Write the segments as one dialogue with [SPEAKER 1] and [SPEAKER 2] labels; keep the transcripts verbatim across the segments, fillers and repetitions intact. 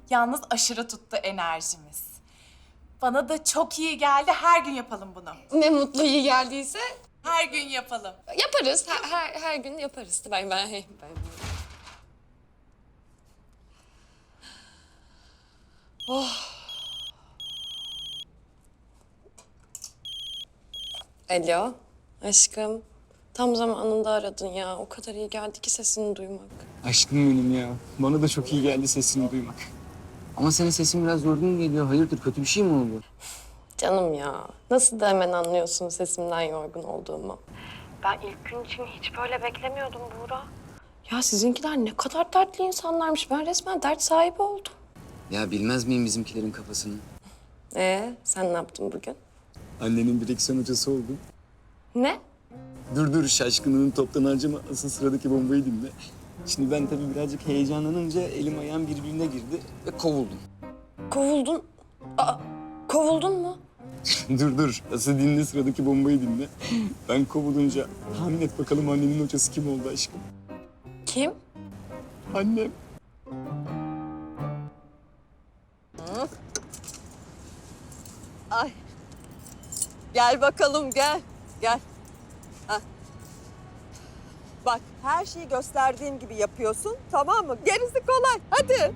[SPEAKER 1] Yalnız aşırı tuttu enerjimiz. Bana da çok iyi geldi. Her gün yapalım bunu.
[SPEAKER 2] Ne mutlu iyi geldiyse
[SPEAKER 1] Her gün yapalım.
[SPEAKER 2] yaparız. Her, her, her gün yaparız. Ben, ben, ben. Oh. Alo, aşkım. Tam zamanında aradın ya. O kadar iyi geldi ki sesini duymak.
[SPEAKER 3] Aşkım benim ya. Bana da çok iyi geldi sesini duymak. Ama senin sesin biraz yorgun geliyor. Hayırdır, kötü bir şey mi oldu?
[SPEAKER 2] Canım ya, nasıl da hemen anlıyorsun sesimden yorgun olduğumu. Ben ilk gün için hiç böyle beklemiyordum Buğra. Ya sizinkiler ne kadar dertli insanlarmış. Ben resmen dert sahibi oldum.
[SPEAKER 3] Ya bilmez miyim bizimkilerin kafasını?
[SPEAKER 2] Ee, sen ne yaptın bugün?
[SPEAKER 3] Annenin direksiyon hocası oldum.
[SPEAKER 2] Ne?
[SPEAKER 3] Dur dur, şaşkınlığını toptan harcama. Asıl sıradaki bombayı dinle. Şimdi ben tabii birazcık heyecanlanınca elim ayağım birbirine girdi ve kovuldum.
[SPEAKER 2] Kovuldun. Aa, kovuldun mu?
[SPEAKER 3] dur dur, asıl dinle, sıradaki bombayı dinle. Ben kovulunca tahmin et bakalım annenin hocası kim oldu aşkım?
[SPEAKER 2] Kim?
[SPEAKER 3] Annem.
[SPEAKER 4] Ay. Gel bakalım gel. Gel. Hah. Bak her şeyi gösterdiğim gibi yapıyorsun, tamam mı? Gerisi kolay. Hadi.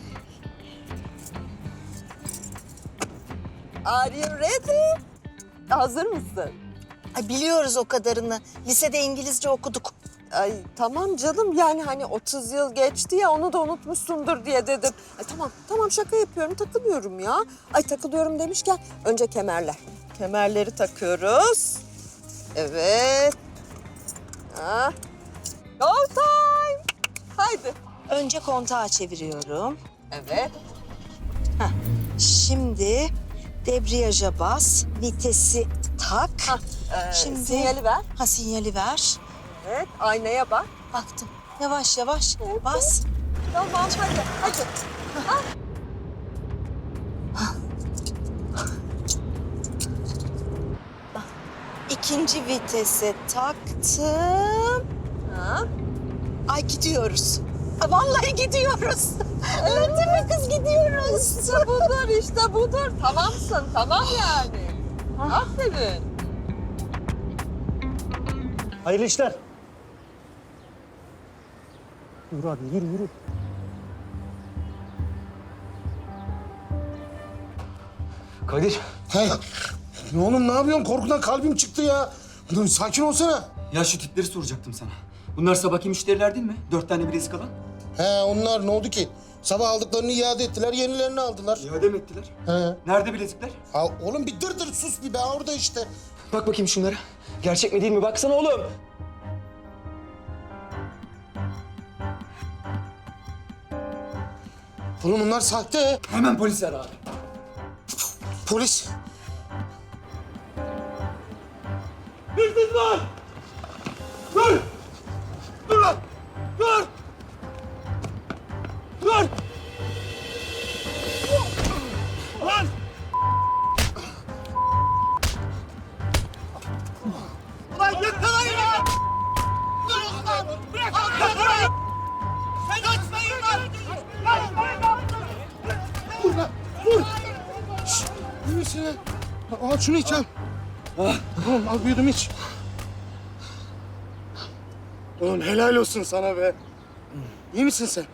[SPEAKER 4] Are you ready? Hazır mısın?
[SPEAKER 5] Ay biliyoruz o kadarını. Lisede İngilizce okuduk.
[SPEAKER 4] Ay tamam canım, yani hani otuz yıl geçti ya, onu da unutmuşsundur diye dedim. Ay tamam tamam, şaka yapıyorum, takılıyorum ya. Ay takılıyorum demişken önce kemerler. Kemerleri takıyoruz. Evet. Ha. Go time. Haydi.
[SPEAKER 5] Önce kontağı çeviriyorum.
[SPEAKER 4] Evet.
[SPEAKER 5] Şimdi debriyaja bas, vitesi tak.
[SPEAKER 4] Hah, ee,
[SPEAKER 5] Şimdi
[SPEAKER 4] sinyali ver.
[SPEAKER 5] Ha sinyali ver.
[SPEAKER 4] Evet, aynaya bak.
[SPEAKER 5] Baktım. Yavaş yavaş
[SPEAKER 4] Evet.
[SPEAKER 5] bas.
[SPEAKER 4] Tamam hadi hadi.
[SPEAKER 5] İkinci vitese taktım.
[SPEAKER 4] Ha.
[SPEAKER 5] Ay gidiyoruz. Ay, vallahi gidiyoruz. Evet değil mi kız, gidiyoruz.
[SPEAKER 4] İşte budur, işte budur. Tamamsın, tamam yani. Aferin.
[SPEAKER 6] Hayırlı işler. Yürü abi, yürü yürü.
[SPEAKER 3] Kadir.
[SPEAKER 7] He. Ne oğlum, ne yapıyorsun? Korkudan kalbim çıktı ya. Dur, sakin olsana.
[SPEAKER 3] Ya şu tipleri soracaktım sana. Bunlar sabahki müşteriler değil mi? Dört tane bilezik alan.
[SPEAKER 7] He, onlar ne oldu ki? Sabah aldıklarını iade ettiler, yenilerini aldılar.
[SPEAKER 3] İade mi ettiler?
[SPEAKER 7] He.
[SPEAKER 3] Nerede bilezikler?
[SPEAKER 7] Ha, oğlum bir dır dır sus bir be, orada işte.
[SPEAKER 3] Bak bakayım şunlara. Gerçek mi değil mi? Baksana oğlum.
[SPEAKER 7] Oğlum bunlar sahte.
[SPEAKER 3] Hemen polis ara abi.
[SPEAKER 7] Polis.
[SPEAKER 6] Hırsız var! Dur! Dur lan! Dur! Dur! Lan! Ulan yakalayın lan! Dur lan! Bırak lan! Yakalayın! Sen açmayın lan! Açmayın lan!
[SPEAKER 7] Dur lan, dur. Şşt, iyi misin lan? Al şunu iç al. Tamam, al büyüdüm iç. Oğlum helal olsun sana be. İyi misin sen?